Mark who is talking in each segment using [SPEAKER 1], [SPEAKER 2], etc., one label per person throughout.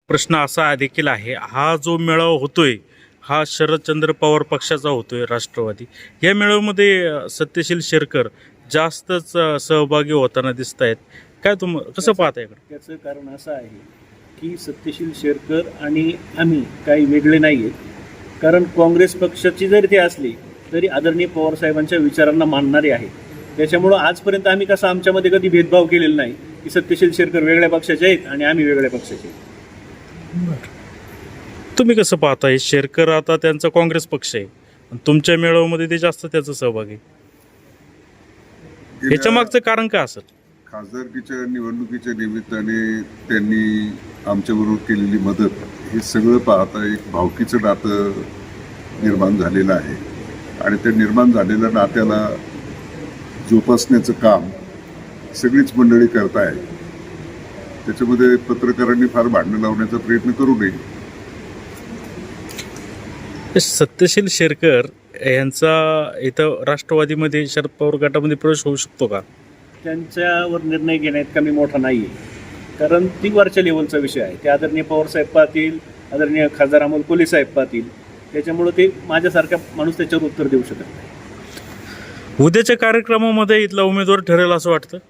[SPEAKER 1] प्रश्न असा देखील आहे, हा जो मेळावा होतोय हा शरदचंद्र पवार पक्षाचा होतोय, राष्ट्रवादी या मेळाव्यामध्ये सत्यशील शेरकर जास्तच सहभागी होताना दिसत आहेत. काय कसं पाहताय?
[SPEAKER 2] त्याचं कारण असं आहे की सत्यशील शेरकर आणि आम्ही काही वेगळे नाही आहेत. कारण काँग्रेस पक्षाची जरी ते असली तरी आदरणीय पवारसाहेबांच्या विचारांना मानणारे आहेत. त्याच्यामुळं आजपर्यंत आम्ही कसं आमच्यामध्ये कधी भेदभाव केलेला नाही की सत्यशील शेरकर वेगळ्या पक्षाचे आहेत आणि आम्ही वेगळ्या पक्षाचे आहेत.
[SPEAKER 1] तुम्ही कसं पाहताय? शेरकर आता त्यांचा काँग्रेस पक्ष आहे, तुमच्या मेळाव्यामध्ये ते जास्त त्याचा सहभाग आहे, याच्या मागचं कारण काय असेल?
[SPEAKER 3] खासदारकीच्या निवडणुकीच्या निमित्ताने त्यांनी आमच्याबरोबर केलेली मदत हे सगळं पाहता एक भावकीचं नातं निर्माण झालेलं आहे आणि त्या निर्माण झालेल्या नात्याला जोपासण्याचं काम सगळीच मंडळी करत आहे. त्याच्यामध्ये पत्रकारांनी फार भांडणं लावण्याचा प्रयत्न करू नये.
[SPEAKER 1] सत्यशील शेरकर यांचा इथं राष्ट्रवादीमध्ये शरद पवार गटामध्ये प्रवेश होऊ शकतो का?
[SPEAKER 2] त्यांच्यावर निर्णय घेण्यात कमी मोठा नाही आहे, कारण ती वरच्या लेवलचा विषय आहे. ते आदरणीय पवारसाहेब पाहतील, आदरणीय खासदार अमोल कोल्हे साहेब पाहतील. त्याच्यामुळं ते माझ्यासारखा माणूस त्याच्यावर उत्तर देऊ शकत नाही.
[SPEAKER 1] उद्याच्या कार्यक्रमामध्ये इथला उमेदवार ठरेल असं वाटतं?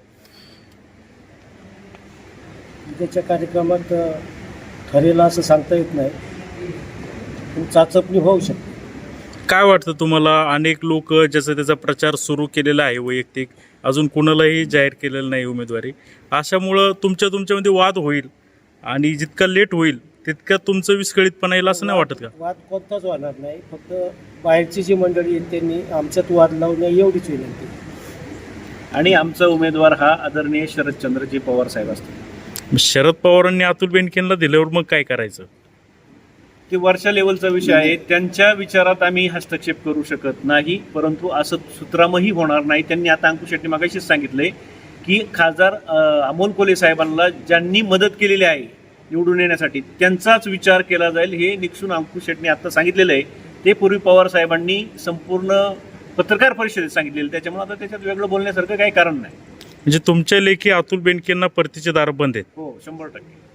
[SPEAKER 4] उद्याच्या कार्यक्रमात ठरेल असं सांगता येत नाही, पण चाचपणी होऊ शकते.
[SPEAKER 1] काय वाटतं तुम्हाला? अनेक लोक ज्याचा त्याचा प्रचार सुरू केलेला आहे वैयक्तिक, अजून कुणालाही जाहीर केलेलं नाही उमेदवारी. अशामुळं तुमच्यामध्ये वाद होईल आणि जितका लेट होईल तितका तुमचं विस्कळीतपणा येईल असं नाही वाटत का?
[SPEAKER 4] वाद कोणताच होणार नाही, फक्त बाहेरची जी मंडळी आहेत त्यांनी आमच्यात वाद लावू नये एवढीच विनंती.
[SPEAKER 2] आणि आमचा उमेदवार हा आदरणीय शरदचंद्रजी पवार साहेब असतील.
[SPEAKER 1] शरद पवारांनी अतुल बेनकेंना दिल्यावर मग काय करायचं?
[SPEAKER 2] ते वरच्या लेवलचा विषय आहे. त्यांच्या विचारात आम्ही हस्तक्षेप करू शकत नाही, परंतु असं सुतरामही होणार नाही. त्यांनी आता अंकुश शेट्टी मागाशीच सांगितलंय की खासदार अमोल कोल्हे साहेबांना ज्यांनी मदत केलेली आहे निवडून येण्यासाठी त्यांचाच विचार केला जाईल, हे निक्षून अंकुश शेट्टी आता सांगितलेलं आहे. ते पूर्वी पवार साहेबांनी संपूर्ण पत्रकार परिषदेत सांगितलेलं. त्याच्यामुळे आता त्याच्यात वेगळं बोलण्यासारखं काही कारण नाही.
[SPEAKER 1] म्हणजे तुमच्या लेखी अतुल बेनकेंना परतीचे दार बंद आहेत?
[SPEAKER 2] हो, 100%.